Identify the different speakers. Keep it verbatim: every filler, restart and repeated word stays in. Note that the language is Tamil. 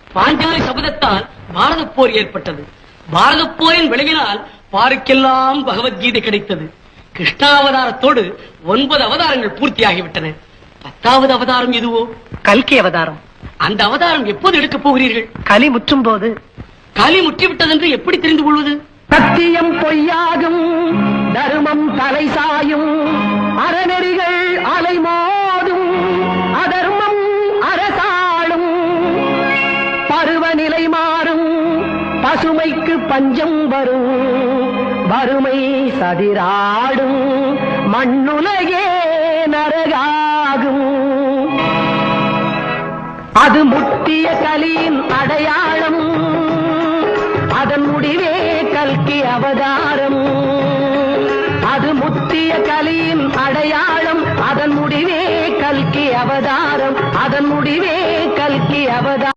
Speaker 1: பாஞ்சாலி சபதத்தால் பாரத போர் ஏற்பட்டது. பாரத போரின் விளைவினால் பாருக்கெல்லாம் பகவத்கீதை கிடைத்தது. கிருஷ்ணாவதாரத்தோடு ஒன்பது அவதாரங்கள் பூர்த்தியாகிவிட்டன. பத்தாவது அவதாரம் எதுவோ?
Speaker 2: கல்கி அவதாரம்.
Speaker 1: அந்த அவதாரம் எப்போது எடுக்கப் போகிறீர்கள்?
Speaker 2: கலி முற்றும் போது.
Speaker 1: கலி முற்றிவிட்டது என்று எப்படி தெரிந்து கொள்வது?
Speaker 2: சத்தியம் பொய்யாகும், தர்மம் தலை சாயும், அறநெறிகள் அலைமோதும், அதர்மம் அரசாளும், பருவநிலை மாறும், பசுமைக்கு பஞ்சம் வரும், வறுமை சதிராடும், மண்ணுலகே நரகாகும். அது முத்திய கலியின் அடையாளம், அதன் முடிவே கல்கி அவதாரம். அது முத்திய கலியின் அடையாளம், அதன் முடிவே கல்கி அவதாரம். அதன் முடிவே கல்கி அவதாரம்.